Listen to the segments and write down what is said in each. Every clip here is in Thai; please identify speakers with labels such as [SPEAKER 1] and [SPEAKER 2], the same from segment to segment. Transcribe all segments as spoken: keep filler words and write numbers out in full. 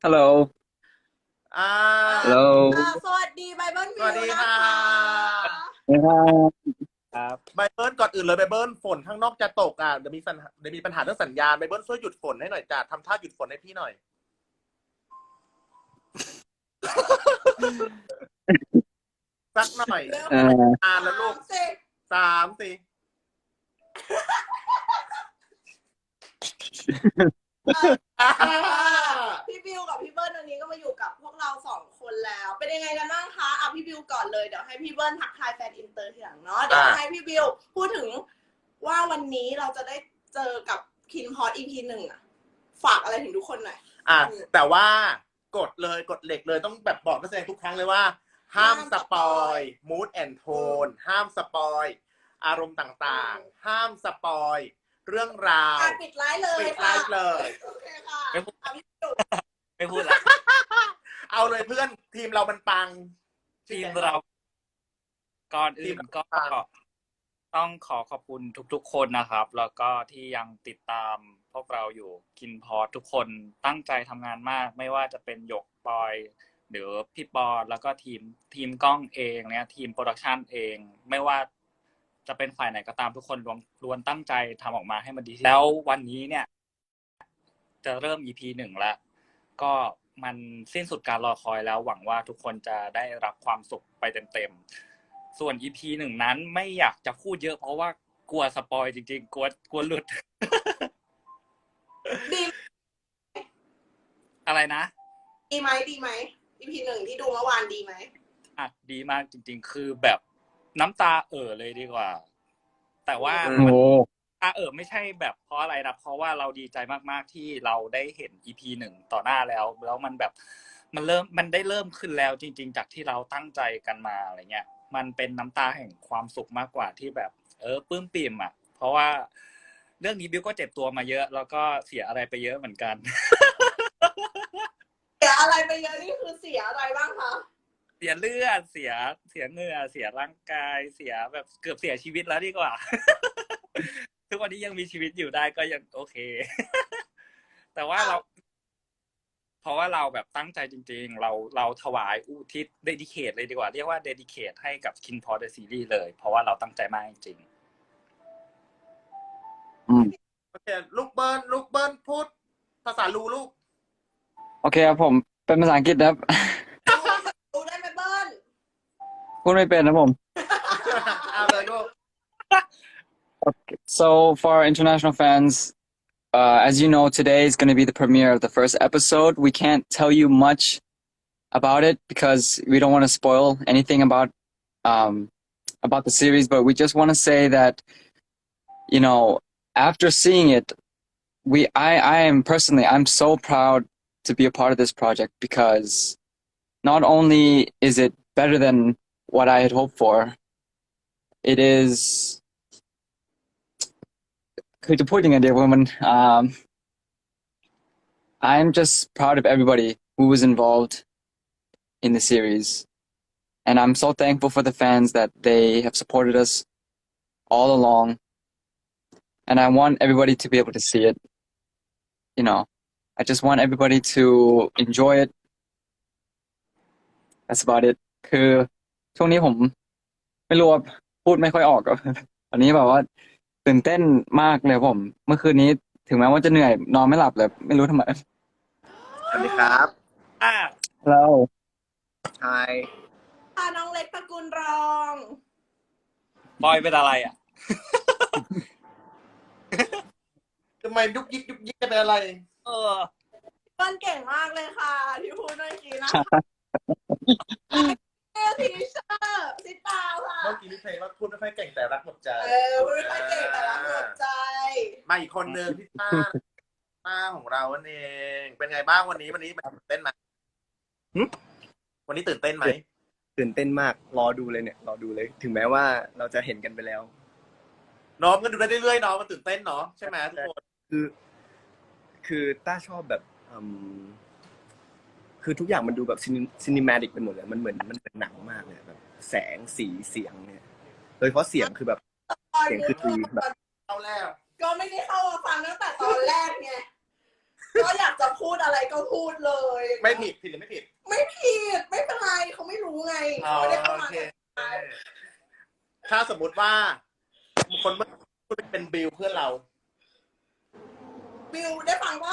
[SPEAKER 1] ฮัลโหล
[SPEAKER 2] อ่า
[SPEAKER 1] ฮัลโหล
[SPEAKER 3] อ่าสวัสดีไบเบิล
[SPEAKER 2] สวั
[SPEAKER 3] วิวนะ
[SPEAKER 2] สดีค่ะ
[SPEAKER 3] คะ
[SPEAKER 1] นะครับครับ
[SPEAKER 2] ไบเบิลก่อนอื่นเลยไบเบิลฝนข้างนอกจะตกอ่ะเดี๋ยวมีสัญเดี๋ยวมีปัญหาเรื่องสัญญาณไบเบิลช่วยหยุดฝนให้หน่อยจ้ะทำท่าหยุดฝนให้พี่หน่อยสักหน่อย
[SPEAKER 3] เริ่ม
[SPEAKER 1] เอ่อ
[SPEAKER 2] อ่านแล้วลูก
[SPEAKER 3] สามสิบ
[SPEAKER 2] สามสี่อ่า
[SPEAKER 3] พี่บิวกับพี่เบิ้ลวันนี้ก็มาอยู่กับพวกเราสองคนแล้ว เป็นยังไงกันบ้างคะเอาพี่บิวก่อนเลยเดี๋ยวให้พี่เบิ้ลทักทายแฟนอินเตอร์ทีหลังเนาะเดี๋ยวให้พี่บิวพูดถึงว่าวันนี้เราจะได้เจอกับคินพอด อี พี หนึ่งอะฝากอะไรถึงทุกคนหน่อย
[SPEAKER 2] อ่ะแต่ว่ากดเลยกดเหล็กเลยต้องแบบบอกนักแสดงทุกครั้งเลยว่า ห้ามสปอยมูดแอนโทนห้ามสปอยอารมณ์ต่างๆ ห้ามสปอยเรื่องราว
[SPEAKER 3] อ่ะปิดไลฟ์เลย
[SPEAKER 2] ปิดไล
[SPEAKER 3] ค่ะ
[SPEAKER 2] ฟ์เลย
[SPEAKER 3] โอเคค่ะ
[SPEAKER 1] ไม่พูด
[SPEAKER 3] เอาพี่บิว
[SPEAKER 1] ไม่พูดละ
[SPEAKER 2] เอาเลยเพื่อนทีมเรามันปัง
[SPEAKER 1] ทีมเราก่อนอื่นก็
[SPEAKER 2] ทีมเรา
[SPEAKER 1] ต้องขอขอบคุณทุกๆคนนะครับ แล้วก็ที่ยังติดตามพวกเราอยู่กินพอดทุกคนตั้งใจทำงานมาก ไม่ว่าจะเป็นหยกปอยหรือพี่ปอแล้วก็ทีมทีมกล้องเองเนี่ยทีมโปรดักชันเอง ไม่ว่าจะเป็นฝ่ายไหนก็ตามทุกคนล้วนล้วนตั้งใจทำออกมาให้มันดีแล้ววันนี้เนี่ย จะเริ่ม อี พี หนึ่งแล้ว ก็มันสิ้นสุดการรอคอยแล้วหวังว่าทุกคนจะได้รับความสุขไปเต็มๆส่วน อี พี หนึ่งนั้นไม่อยากจะพูดเยอะเพราะว่ากลัวสปอยจริงๆกลัวกลัวหลุด
[SPEAKER 3] ดี
[SPEAKER 1] อะไรนะ
[SPEAKER 3] ดีไหมดีไหม อี พี หนึ่งที่ดูเมื่อวานดีไหม
[SPEAKER 1] อ่ะดีมากจริงๆคือแบบน้ำตาเอ่อเลยดีกว่า แต่ว่า
[SPEAKER 2] อืม
[SPEAKER 1] มัน
[SPEAKER 4] โอ้
[SPEAKER 1] อ่ะเออไม่ใช่แบบเพราะอะไรนะเพราะว่าเราดีใจมากๆที่เราได้เห็น อี พี หนึ่งต่อหน้าแล้วแล้วมันแบบมันเริ่มมันได้เริ่มขึ้นแล้วจริงๆจากที่เราตั้งใจกันมาอะไรเงี้ยมันเป็นน้ำตาแห่งความสุขมากกว่าที่แบบเออปลื้มปิ่มอ่ะเพราะว่าเรื่องนี้บิวก็เจ็บตัวมาเยอะแล้วก็เสียอะไรไปเยอะเหมือนกัน
[SPEAKER 3] เสียอะไรไปเยอะนี่คือเสียอะไรบ้างคะ
[SPEAKER 1] เสียเลือดเสียเสียเหงื่อเสียร่างกายเสียแบบเกือบเสียชีวิตแล้วดีกว่า ทุกวันนี้ยังมีชีวิตอยู่ได้ก็ยังโอเค แต่ว่าเรา เพราะว่าเราแบบตั้งใจจริงๆ เราเราถวายอุทิศเดดิเคทเลยดีกว่า เรียกว่าเดดิเคทให้กับ Kin Pod The Series เลย เพราะว่าเราตั้งใจมากจริง
[SPEAKER 4] อืม
[SPEAKER 2] โอเคลูกเบิ้ลลูกเบิ้ลพูดภาษาลูลูก
[SPEAKER 4] โอเคครับผมเป็นภาษาอังกฤษนะครับ
[SPEAKER 3] ดูได้ไหมเบิ้ล
[SPEAKER 4] พูดไม่เป็นนะผม
[SPEAKER 2] เอาเลยลูก
[SPEAKER 4] Okay. So for our international fans, uh, as you know, today is going to be the premiere of the first episode. We can't tell you much about it because we don't want to spoil anything about um, about the series, but we just want to say that, you know, after seeing it, we I, I am personally I'm so proud to be a part of this project because not only is it better than what I had hoped for, it is คือจะพูดยังไงดีว่ามัน um, I'm just proud of everybody who was involved in the series, and I'm so thankful for the fans that they have supported us all along, and I want everybody to be able to see it. You know, I just want everybody to enjoy it. That's about it. คือช่วงนี้ผมไม่รู้ว่าพูดไม่ค่อยออกครับตอนนี้แบบว่าตื่นเต้นมากเลยผม เมื่อคืนนี้ถึงแม้ว่าจะเหนื่อยนอนไม่หลับเลยไม่รู้ทำไม
[SPEAKER 5] สวัสดีครับ
[SPEAKER 1] ๆ อ่ะ
[SPEAKER 4] แล้ว
[SPEAKER 5] Hi
[SPEAKER 3] พาน้องเล็กตระกูลรอง
[SPEAKER 1] บอยเป็นอะไรอ่ะ
[SPEAKER 2] ทำไมยุกยิกยุกยิกกันเป็นอะไร
[SPEAKER 1] เออ
[SPEAKER 3] เบิ้ลเก่งมากเลยค่ะ ที่พูดเมื่อกี้นะเออทีเชอร์ซิตาวค่ะ
[SPEAKER 2] เมื่อกี้นี่เพลงว่าพูดไม่ค่อยเก่งแต่รักหมดใจ
[SPEAKER 3] เออพูดไม่ค่อยเก่งแต่รักหมดใจ
[SPEAKER 2] มาอีกคนนึงพี่ต้าต้าของเราเอง เป็นไงบ้างวันนี้วันนี้ตื่นเต้นไหม
[SPEAKER 5] หึ
[SPEAKER 2] วันนี้ตื่นเต้นไหม
[SPEAKER 5] ตื่นเต้นมากรอดูเลยเนี่ยรอดูเลย ถึงแม้ว่าเราจะเห็นกันไปแล้ว
[SPEAKER 2] น้องก็ดูได้เรื่อยๆเนาะมันตื่นเต้นเนาะใช่ไหมทุกคน
[SPEAKER 5] คือ คือต้าชอบแบบอืมคือทุกอย่างมันดูแบบซินิมาติกไปหมดเลยมันเหมือนมันเป็นหนังมากเลยแบบแสงสีเสียงเนี่ยโดยเฉพาะเสียงคือแบบ เสียงคือดีแบบ
[SPEAKER 2] เอาแล้ว
[SPEAKER 3] ก็ไม่ได้เข้ามาฟังตั้งแต่ตอนแรกไง ก็อยากจะพูพูดอะไรก็พูดเลย
[SPEAKER 2] ไม่ผิดผิดหรือไม่ผิด
[SPEAKER 3] ไม่ผิดไม่เป็นไรเขาไม่รู้ไง
[SPEAKER 2] อ๋อ
[SPEAKER 3] เขาไม่ได้เข้า
[SPEAKER 2] โอ
[SPEAKER 3] มา
[SPEAKER 2] เคถ้าสมมุติว่าคนเมื่อกี้เป็นบิวเพื่อนเรา
[SPEAKER 3] บิวได้ฟังปะ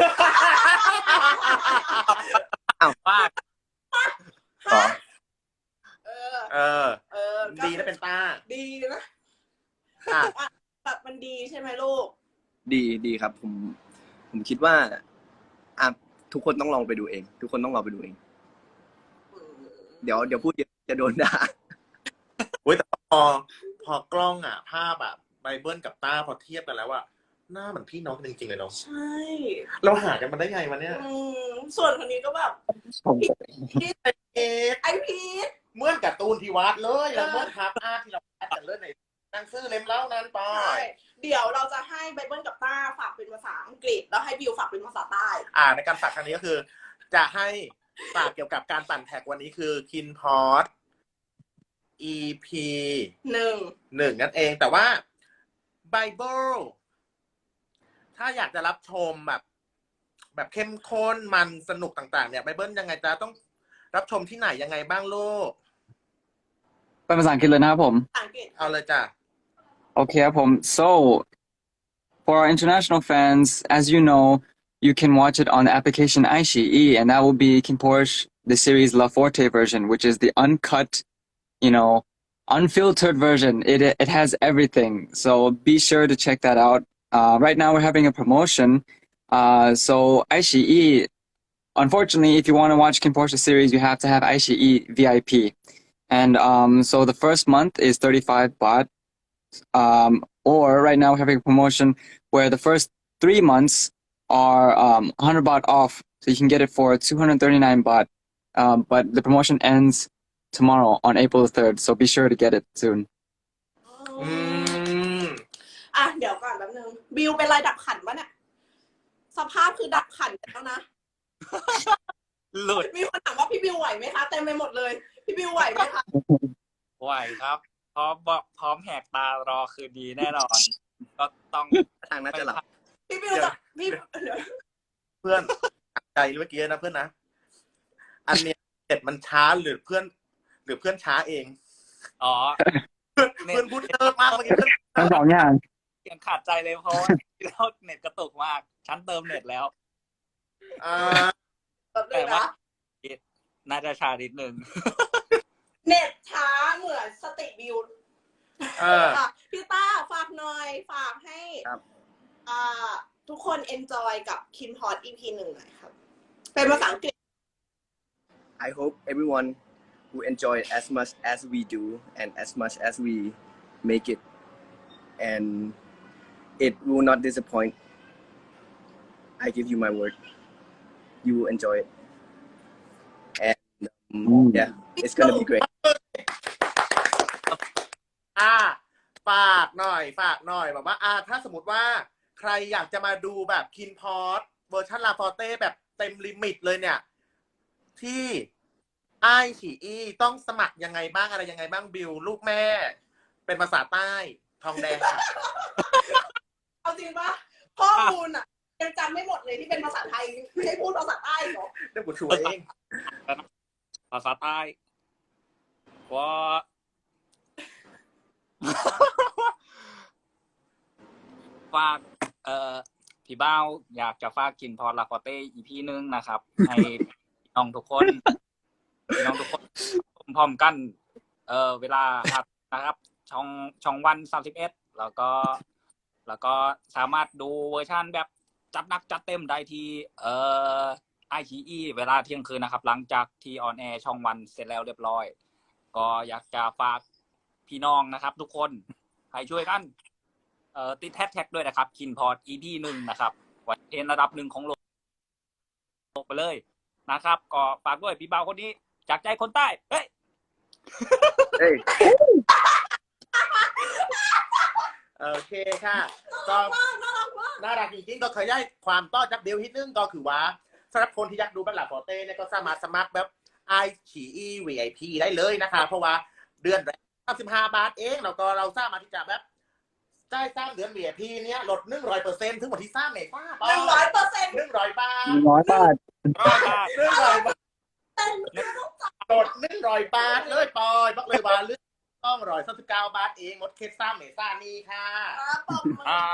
[SPEAKER 1] ว่า
[SPEAKER 3] ฮะเออ
[SPEAKER 2] เออ
[SPEAKER 3] เออก็
[SPEAKER 2] ดีนะเป็นต้า
[SPEAKER 3] ดีนะ
[SPEAKER 2] อ่ะ
[SPEAKER 3] แบบมันดีใช่ไหมลูก
[SPEAKER 5] ดีดีครับ ผม ผมคิดว่าอ่ะทุกคนต้องลองไปดูเอง ทุกคนต้องลองไปดูเอง เดี๋ยวเดี๋ยวพูดเยอะจะโดนด่า
[SPEAKER 2] อุ้ยแต่พอพอกล้องอ่ะ ภาพอ่ะไบเบิลกับต้าพอเทียบกันแล้วอ่ะหน้าเหมือนพี่น้องกันจริงๆเลยเนาะ
[SPEAKER 3] ใช่
[SPEAKER 2] เราหากันมาได้ไงวะเนี่ย
[SPEAKER 3] อืมส่วนคนนี้ก็แบบพีท
[SPEAKER 2] เอ๊ะ
[SPEAKER 3] ไอพีท
[SPEAKER 2] เหมื่อนการ์ตูนที่วัดเลยแล้วเหมื่อนทับอาร์ที่เราแอดกันเลยในหนังสือเล่มเล่านั้นไป
[SPEAKER 3] ใช่เดี๋ยวเราจะให้ไบเบิลกับต้าฝากเป็นภาษาอังกฤษ แล้วให้บิวฝากเป็นภาษาใต้
[SPEAKER 2] อ่าในการฝากครั้งนี้ก็คือ จะให้ฝากเกี่ยวกับการปั่นแท็กวันนี้คือคินพอด อี พี
[SPEAKER 3] หนึ่ง
[SPEAKER 2] หนึ่งนั่นเองแต่ว่าไบเบิลถ้าอยากจะรับชมแบบ แบบเข้มข้นมันสนุกต่างๆเนี่ยไบเบิลยังไงจะต้องรับชมที่ไหนยังไงบ้างลูก
[SPEAKER 4] เป็นภาษาอังกฤษเลยนะครับผม
[SPEAKER 3] ภาษาอังกฤษ
[SPEAKER 2] เอาเลยจ้ะ
[SPEAKER 4] Okay, Apom. So, for our international fans, as you know, you can watch it on the application iQIYI, and that will be Kim Porsche, the series La Forte version, which is the uncut, you know, unfiltered version. It it has everything. So be sure to check that out. Uh, right now we're having a promotion. Uh, so iQIYI, unfortunately, if you want to watch Kim Porsche series, you have to have iQIYI V I P. And um, so the first month is thirty-five baht. Um, or right now we're having a promotion where the first three months are um, one hundred baht off, so you can get it for two hundred thirty-nine baht. Um, but the promotion ends tomorrow on April third, so be sure to get it soon.
[SPEAKER 2] อืม
[SPEAKER 3] อ่ะเดี๋ยวก่อนแป๊บนึงบิวเป็นไรดับขันปะเนี่ยสภาพคือดับขันแล้วนะ
[SPEAKER 1] หลุด
[SPEAKER 3] มีคนถามว่าพี่บิวไหวไหมคะเต็มไปหมดเลย พี่บิวไหวไหมคะ
[SPEAKER 1] ไหวครับ พร้อมบอกพร้อมแหกตารอคืนดีแน่นอน ก็ต้อง
[SPEAKER 5] ทางน่าจะหลับ
[SPEAKER 3] พี่บิวจะพี่เดี๋ยว
[SPEAKER 2] เพื่อนใจเมื่อกี้นะเพื่อนนะ อันเนี้ยเน็ตมันช้าหรือเพื่อน หรือเพื่อนช้าเอง
[SPEAKER 1] อ๋อ
[SPEAKER 2] เพื่อนพูดเยอะมากเมื่อกี้เพื่อน
[SPEAKER 4] ทั้งสองอย่าง
[SPEAKER 1] ยังขาดใจเลยเพราะว่าแล้วเน็ตกระตุกมาก ฉันเติมเน็ตแล้ว
[SPEAKER 2] อ่า
[SPEAKER 3] แบบนึ
[SPEAKER 1] แต่
[SPEAKER 3] ง
[SPEAKER 1] ว่า
[SPEAKER 3] นะ
[SPEAKER 1] น่าจะชานิดนึง
[SPEAKER 3] เน็ตช้าเหมือนสติบิว
[SPEAKER 2] เออ
[SPEAKER 3] อ่ะพี่ต้าฝากหน่อยฝากให้
[SPEAKER 5] ครับ
[SPEAKER 3] อ่าทุกคน enjoy กับ Kim Hot อี พี หนึ่งหน่อยครับ เป็นภาษาอังกฤษ
[SPEAKER 5] I hope everyone will enjoy it as much as we do and as much as we make it, and it will not disappoint. I give you my word. You will enjoy it, and um,
[SPEAKER 4] Mm.
[SPEAKER 5] yeah, it's gonna be great.
[SPEAKER 2] อ่าฝากหน่อย ฝากหน่อยแบบว่า อ่า ถ้าสมมติว่า ใครอยากจะมาดูแบบคินพอดเวอร์ชันลาฟอเต้แบบเต็มลิมิตเลยเนี่ย ที่ไอฉีอีต้องสมัครยังไงบ้างอะไรยังไงบ้างบิวลูกแม่ เป็นภาษาใต้ทองแดงค่ะ
[SPEAKER 3] เอาจริงปะข้อมูลอ่ะยังจำไม่หมดเลยที่เป็นภาษาไทยไม่ให้พูดภาษาใต้เหรอ
[SPEAKER 2] เดี๋ยวกูช่วยเอง
[SPEAKER 1] ภาษาใต้ว่า ฝากเอ่อพี่บ้าวอยากจะฝากกินพอลาฟอเต้อีพีนึงนะครับ ให้พี่น้องทุกคนพี่น้องทุกคนพร้อมกัน เอ่อเวลาครับนะครับ ช่องช่องวันสามสิบเอ็ดแล้วก็ แล้วก็สามารถดูเวอร์ชันแบบจัดหนักจัดเต็มได้ที่เอ่อไอชีอีเวลาเที่ยงคืนนะครับ หลังจากที่ออนแอร์ช่องวันเสร็จแล้วเรียบร้อย ก็อยากจะฝากพี่น้องนะครับ ทุกคนให้ช่วยกัน เอ่อติดแฮชแท็กด้วยนะครับคินพอด อี พี หนึ่งนะครับไว้เป็นระดับหนึ่งของโลกไปเลยนะครับ ก็ฝากด้วยพี่บ่าวคนนี้จากใจคนใต้เฮ้ย
[SPEAKER 5] Hey.
[SPEAKER 2] โอเคค่ะ ก็น่ารักจริงๆก็เคยได้ความต้อนรับเดียวนิดนึงก็คือว่าสำหรับคนที่อยากดูแบบหลักฟอเต้เนี่ยก็สามารถสมัครแบบไอฉีอี วี ไอ พี ได้เลยนะคะ เพราะว่าเดือนแรกสามสิบห้าบาทเองแล้วก็เราสามารถที่จะแบบจ่ายสามเดือน วี ไอ พี เนี้ยลดหนึ่งร้อยเปอร์เซ็นต์ถึงวันที่สามเมษายน
[SPEAKER 3] หนึ่งร้อยเปอร์เซ็นต์
[SPEAKER 2] หนึ่งร้อยบาท
[SPEAKER 4] น้อยบาท
[SPEAKER 1] รอบาท
[SPEAKER 2] หนึ่งร้อยบาท
[SPEAKER 3] เต้นไม่ต้องจ่าย
[SPEAKER 2] กดหนึ่งร้อยบาทเลยปอยบอกเลยว่าเลือกต้องร้อยสามสิบเก้าบาทเองงดเคสซ่าเมซ่านี่ค่ะ
[SPEAKER 3] ครับปรบมือ
[SPEAKER 1] อ่า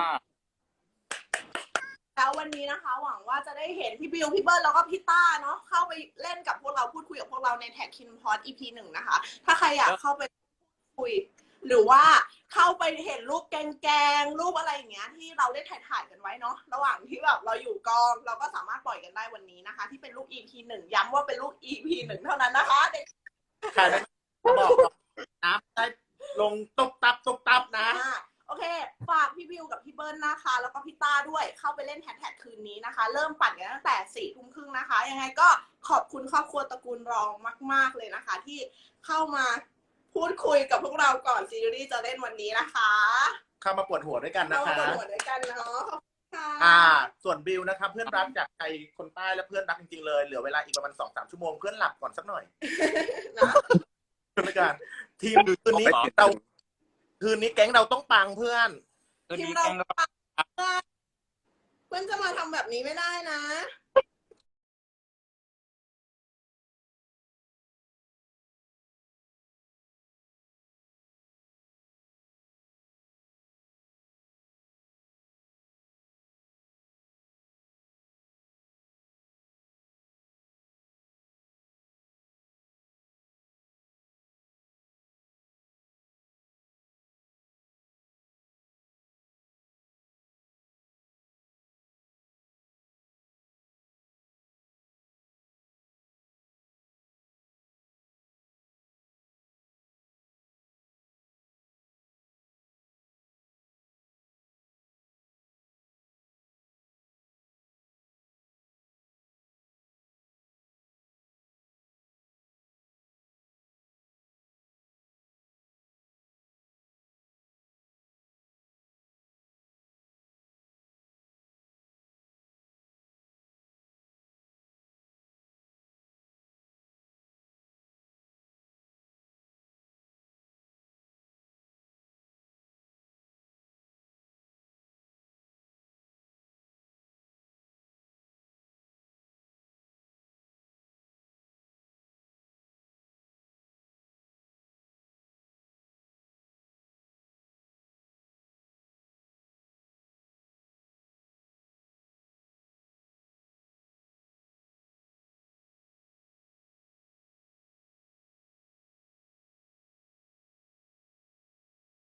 [SPEAKER 3] แล้ววันนี้นะคะ หวังว่าจะได้เห็นพี่บิวพี่เบิร์ดแล้วก็พี่ต้าเนาะเข้าไปเล่นกับพวกเราพูดคุยกับพวกเราในแท็กคินพอด อี พี หนึ่งนะคะ ถ้าใครอยากเข้าไปคุย หรือว่าเข้าไปเห็นรูปแกงๆรูปอะไรอย่างเงี้ยที่เราได้ถ่ายถ่ายๆกันไว้เนาะระหว่างที่แบบเราอยู่กองเราก็สามารถปล่อยกันได้วันนี้นะคะ ที่เป็นรูป อี พี หนึ่งย้ำว่าเป็นรูป อี พี หนึ่งเท่านั้นนะคะเด็ก
[SPEAKER 2] ใครไม่บอกหรอกนะได้ลงตุบตับตุบตับนะ
[SPEAKER 3] อ่าโอเค ฝากพี่บิวกับพี่เบิ้ลนะคะ แล้วก็พี่ต้าด้วยเข้าไปเล่นแฮชแท็กคืนนี้นะคะ เริ่มปั่นกันตั้งแต่สี่ทุ่มครึ่งนะคะ ยังไงก็ขอบคุณครอบครัวตระกูลรองมาก ๆ เลยนะคะ ที่เข้ามาพูดคุยกับพวกเราก่อนซีรีส์จะเล่นวันนี้นะคะ
[SPEAKER 2] เข้ามาปวดหัวด้วยกันนะ
[SPEAKER 3] เรา
[SPEAKER 2] คะ
[SPEAKER 3] มาหัวด้วยกันเนาะขอบคุณค่ะ
[SPEAKER 2] อ่า ส่วนบิวนะครับเพื่อนรักจากใจคนใต้และเพื่อนรักจริงๆเลยเหลือเวลาอีกประมาณสองสามชั่วโมงเพื่อนหลับก่อนสักหน่อย
[SPEAKER 3] นะ
[SPEAKER 2] ด้วยกันทีมคืนนี้เราคืนนี้แก๊งเราต้องปังเพื่อน
[SPEAKER 1] คืน
[SPEAKER 3] ทีม
[SPEAKER 1] นี้
[SPEAKER 3] เรา
[SPEAKER 1] แกงเรา
[SPEAKER 3] เพื่อนจะมาทำแบบนี้ไม่ได้นะ